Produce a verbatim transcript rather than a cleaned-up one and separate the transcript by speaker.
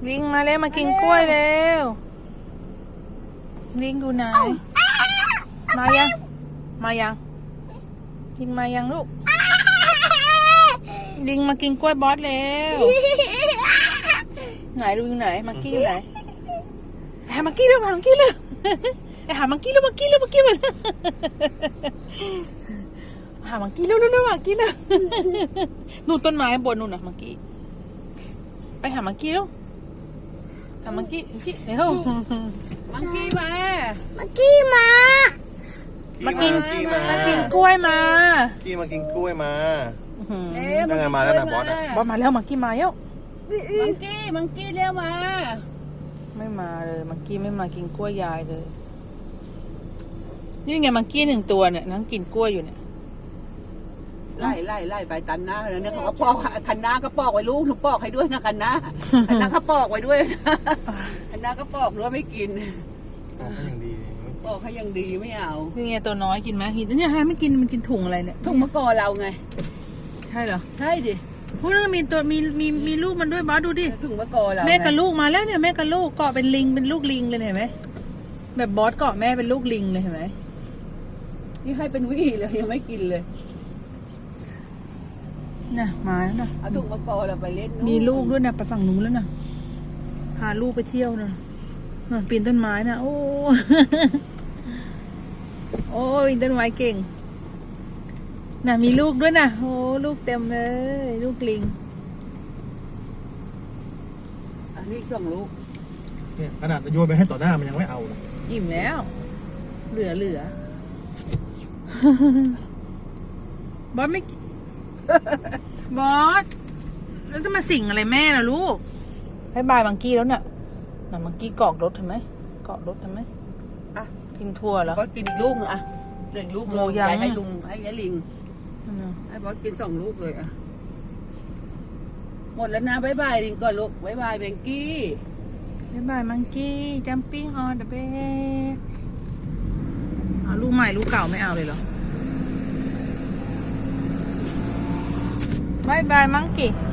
Speaker 1: ลิงมาแล้วมากินกล้วยเร็วลิงดูไหนมายังมายังลิงมายังลูกลิงมากินกล้วยบอสเร็วไหนลูกอยู่ไหนมังกี้อยู่ไหนหามังกี้เร็วหามังกี้เร็วหามังกี้เร็วมังกี้เร็วมังกี้มาหามังกี้เร็วเร็วเร็วมังกี้เร็วนู่นต้นไม้บนนู่นนะมังกี้ไปหามังกี้เร็วหามังกี้มังกี้เร็วมังกี้มามังกี้มามากินมากินกล้วยมา
Speaker 2: กี้มากินกล้วยมา
Speaker 1: เอ๊ะ
Speaker 2: ยังไงมาแล้วนะบอส
Speaker 1: บอสมาแล้วมังกี้มาแล้ว
Speaker 3: มังกี้มังกี้เร็วมา
Speaker 1: ไม่มาเลยมังกี้ไม่มากินกล้วยยายเลยนี่ไงมังกี้หนึ่งตัวเนี่ยนั่งกินกล้วยอยู่เนี่ย
Speaker 3: ไล่ไล่ไล่ไปตันหน้าแล้วเนี่ยเขาก็ปอกคันหน้าก็ปอกไว้ลูกหนูปอกให้ด้วยนะคันหน้าคันหน้าก็ปอกไว้ด้วยคันหน้าก็ปอกหรือว่าไม่กินปอกให้ยังดีไม่เอา
Speaker 1: นี่ไงตัวน้อยกินไหมหินเนี่ยให้มันกินมันกินถุงอะไรเนี่ย
Speaker 3: ถุงมะกอเราไง
Speaker 1: ใช่เหรอ
Speaker 3: ใช่ดิ
Speaker 1: พูดเรื่องมีตัวมีมีมีลูกมันด้วยบอสดูดิ
Speaker 3: ถุงมะกอเรา
Speaker 1: แม่กับลูกมาแล้วเนี่ยแม่กับลูกเกาะเป็นลิงเป็นลูกลิงเลยเห็นไหมแบบบอสเกาะแม่เป็นลูกลิงเลยเห็นไหม
Speaker 3: นี่ให้เป็นวี่เลยยังไม่กินเลย
Speaker 1: น่ะมาแล้วนะ
Speaker 3: เอาถุงมะกอเราไปเล่น
Speaker 1: มีลูกด้วยนะไปฝั่งนู้นแล้วนะพาลูกไปเที่ยวนะปีนต้นไม้นะโอ้โอ้ปีนต้นไม้เก่งน่ะมีลูกด้วยนะโอ้ลูกเต็มเลยลูกลิง
Speaker 3: อันนี้สองลูก
Speaker 2: เนี่ยขนาดโยนไปให้ต่อหน้ามันยังไม่เอาเลย
Speaker 1: อิ่มแล้วเหลือเหลือ บอสไม่บอสแล้วจะมาสิ่งอะไรแม่ล่ะลูกให้บายมังกี้แล้วเนี่ยน่ะมังกี้เกาะรถเห็นไหมเกาะรถเห็นไหม
Speaker 3: อ่ะ
Speaker 1: กินทั่วแล้ว
Speaker 3: ก็กินอีกลูกนึงอ่ะเหลือลูกโมยังให้ลุงให้ยายลิงให้บอสกินสองลูกเลยอ่ะหมดแล้วนะบ๊ายบายลิงก่อนลูกบ๊ายบายเบงกี้
Speaker 1: บ๊ายบายมังกี้จัมปิ้งออนเดอะเบสเอาลูกใหม่ลูกเก่าไม่เอาเลยเหรอบายบายมังกี้